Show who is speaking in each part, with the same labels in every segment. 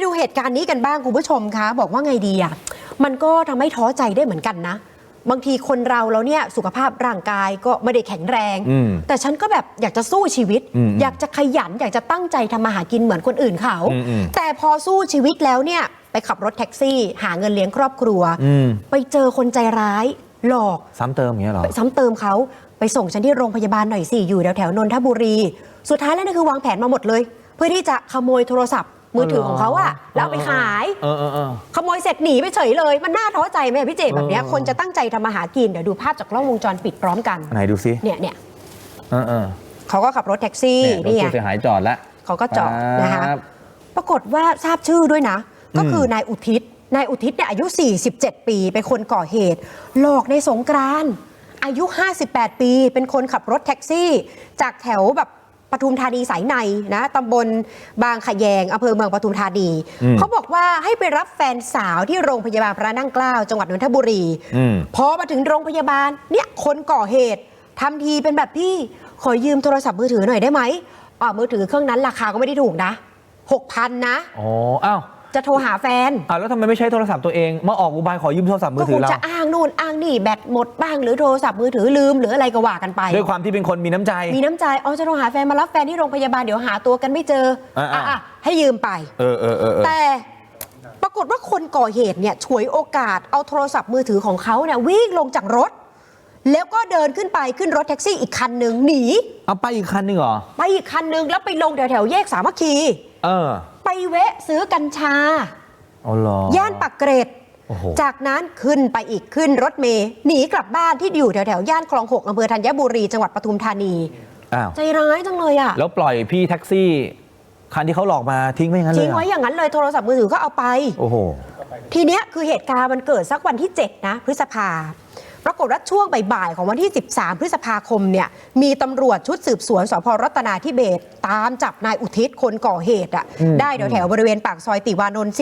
Speaker 1: ดูเหตุการณ์นี้กันบ้างคุณผู้ชมคะบอกว่าไงดีอ่ะมันก็ทำให้ท้อใจได้เหมือนกันนะบางทีคนเราแล้วเนี่ยสุขภาพร่างกายก็ไม่ได้แข็งแรงแต่ฉันก็แบบอยากจะสู้ชีวิตอยากจะขยันอยากจะตั้งใจทำมาหากินเหมือนคนอื่นเขาแต่พอสู้ชีวิตแล้วเนี่ยไปขับรถแท็กซี่หาเงินเลี้ยงครอบครัวไปเจอคนใจร้ายหลอก
Speaker 2: ซ้ำเติมอย่างเงี้ยหรอ
Speaker 1: ซ้ำเติมเขาไปส่งฉันที่โรงพยาบาลหน่อยสิอยู่แถวนนทบุรีสุดท้ายแล้วนี่คือวางแผนมาหมดเลยเพื่อที่จะขโมยโทรศัพท์มือถือของเขาอะแล้วไปขายขโมยเสร็จหนีไปเฉยเลยมันน่าท้อใจไหมพี่เจแบบนี้คนจะตั้งใจทำมาหากินเดี๋ยวดูภาพจากกล้องวงจรปิดพร้อมกัน
Speaker 2: ไหนดูซิ
Speaker 1: เนี่ยเขาก็ขับรถแท็กซี่
Speaker 2: นี่ผู้เสียหายจอดแล้ว
Speaker 1: เขาก็จอดนะคะปรากฏว่าทราบชื่อด้วยนะก็คือนายอุทิศเนี่ยอายุ47ปีเป็นคนก่อเหตุหลอกในสงกรานต์อายุ58ปีเป็นคนขับรถแท็กซี่จากแถวแบบปทุมธานีสายในนะตำบลบางขะแยงอำเภอเมืองปทุมธานีเขาบอกว่าให้ไปรับแฟนสาวที่โรงพยาบาลพระนั่งเกล้าจังหวัดนนทบุรีพอมาถึงโรงพยาบาลเนี่ยคนก่อเหตุทำทีเป็นแบบพี่ขอยืมโทรศัพท์มือถือหน่อยได้ไหมมือถือเครื่องนั้นราคาก็ไม่ได้ถูกนะ 6,000 นะ
Speaker 2: อ๋ออ้าว
Speaker 1: จะโทรหาแฟน
Speaker 2: แล้วทำไมไม่ใช้โทรศัพท์ตัวเองมาออกอุบายขอยืมโทรศัพท์มือถือเรา
Speaker 1: ก็คงจะอ้างนู่นอ้างนี่แบตหมดบ้างหรือโทรศัพท์มือถือลืมหรืออะไรก็ว่ากันไป
Speaker 2: ด้วยความที่เป็นคนมีน้ำใจ
Speaker 1: จะโทรหาแฟนมารับแฟนที่โรงพยาบาลเดี๋ยวหาตัวกันไม่เจอให้ยืมไปแต่ปรากฏว่าคนก่อเหตุเนี่ยฉวยโอกาสเอาโทรศัพท์มือถือของเขาเนี่ยวิ่งลงจากรถแล้วก็เดินขึ้นรถแท็กซี่อีกคันนึงหนี
Speaker 2: เอาไปอีกคันนึงเหรอ
Speaker 1: ไปอีกคันนึงแล้วไปลงแถวแยกสามัคคีไปแวะซื้อกัญชาย่านปากเกร็ดจากนั้นขึ้นรถเมล์หนีกลับบ้านที่อยู่แถวย่านคลอง 6อำเภอธัญบุรีจังหวัดปทุมธานีใจร้ายจังเลยอ่ะ
Speaker 2: แล้วปล่อยพี่แท็กซี่คันที่เขาหลอกมาทิ้งไว้อย่างนั้นเลย
Speaker 1: ทิ้งไว้อย่างนั้นเลยโทรศัพท์มือถือก็เอาไป
Speaker 2: โอ้โห
Speaker 1: ทีเนี้ยคือเหตุการณ์มันเกิดสักวันที่7นะพฤษภาปรากฏว่าช่วงบ่ายๆของวันที่13พฤษภาคมเนี่ยมีตำรวจชุดสืบสวนสภ.รัตนาธิเบศรตามจับนายอุทิศคนก่อเหตุได้แถวบริเวณปากซอยติวานนท์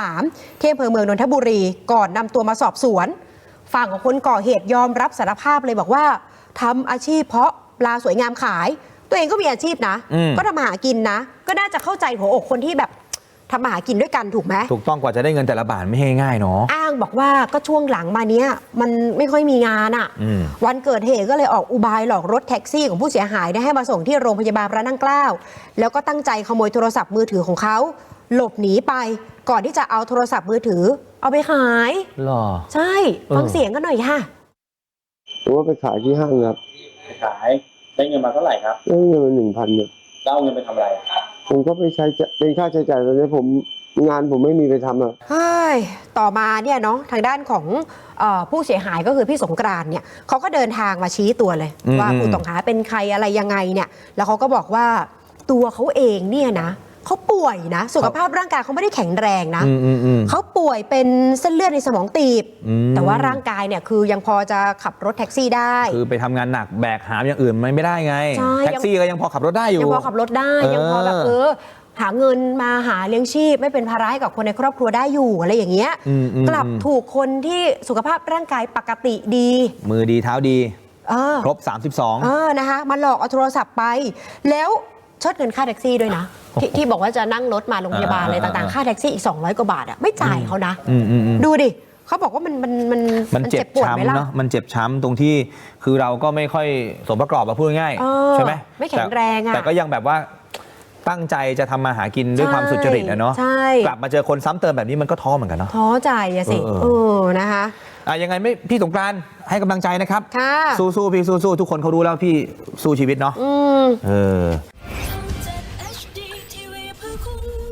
Speaker 1: 43ที่อำเภอเมืองนนทบุรีก่อนนำตัวมาสอบสวนฝั่งของคนก่อเหตุยอมรับสารภาพเลยบอกว่าทำอาชีพเพาะปลาสวยงามขายตัวเองก็มีอาชีพนะก็ทำมาหากินนะก็น่าจะเข้าใจหัวอกคนที่แบบทำมาหากินด้วยกันถูกไหม
Speaker 2: ถูกต้องกว่าจะได้เงินแต่ละบาทไม่ง่ายเนาะ
Speaker 1: อ้างบอกว่าก็ช่วงหลังมาเนี้ยมันไม่ค่อยมีงานวันเกิดเหตุก็เลยออกอุบายหลอกรถแท็กซี่ของผู้เสียหายได้ให้มาส่งที่โรงพยาบาลพระนั่งเกล้าแล้วก็ตั้งใจขโมยโทรศัพท์มือถือของเขาหลบหนีไปก่อนที่จะเอาโทรศัพท์มือถือเอาไปขาย
Speaker 2: หรอ
Speaker 1: ใช่ฟังเสียงกันหน่อยค่ะ
Speaker 3: ว่าไปขายที่ห้างครับ
Speaker 4: ไปขายได้เงินมาเท่าไหร่ครับ
Speaker 3: ได้เงินมา 1,000 เนี่ย
Speaker 4: แล้วเอาเงินไปทำอะไร
Speaker 3: ผมก็ไปใช้เป็นค่าใช้จ่ายตอนนี้งานผมไม่มีไปทำ
Speaker 1: ต่อมาเนี่ยเนาะทางด้านของผู้เสียหายก็คือพี่สงกรานต์เนี่ยเขาก็เดินทางมาชี้ตัวเลยว่าผู้ต้องหาเป็นใครอะไรยังไงเนี่ยแล้วเขาก็บอกว่าตัวเขาเองเนี่ยนะเขาป่วยนะสุขภาพร่างกายเขาไม่ได้แข็งแรงนะเขาป่วยเป็นเส้นเลือดในสมองตีบแต่ว่าร่างกายเนี่ยคือยังพอจะขับรถแท็กซี่ได้
Speaker 2: คือไปทำงานหนักแบกหามอย่างอื่นไม่ได้ไงแท็กซี่ก็ยังพอขับรถได้อยู่
Speaker 1: ยังพอขับรถได้ยังพอแบบหาเงินมาหาเลี้ยงชีพไม่เป็นภาระให้กับคนในครอบครัวได้อยู่อะไรอย่างเงี้ยกลับถูกคนที่สุขภาพร่างกายปกติดี
Speaker 2: มือดีเท้าดีครบ32
Speaker 1: นะคะมาหลอกเอาโทรศัพท์ไปแล้วเชิดเงินค่าแท็กซี่ด้วยนะที่บอกว่าจะนั่งรถมาโรงพยาบาลอะไรต่างๆค่าแท็กซี่อีก200 กว่าบาทไม่จ่ายเขานะดูดิเขาบอกว่ามันเจ็บปวดไหมล่ะ
Speaker 2: มันเจ็บช้ำตรงที่คือเราก็ไม่ค่อยสมประกอบพูดง่ายใช่ไหม
Speaker 1: ไม่แข็งแรง
Speaker 2: แต่ก็ยังแบบว่าตั้งใจจะทำมาหากินด้วยความสุจริตนะเนาะกลับมาเจอคนซ้ำเติมแบบนี้มันก็ท้อเหมือนกันเนาะ
Speaker 1: ท้อใจอะสินะคะ
Speaker 2: ยังไงไม่พี่สงกรานต์ให้กำลังใจนะครับสู้พี่สู้ทุกคนเขารู้แล้วพี่สู้ชีวิตเนาะ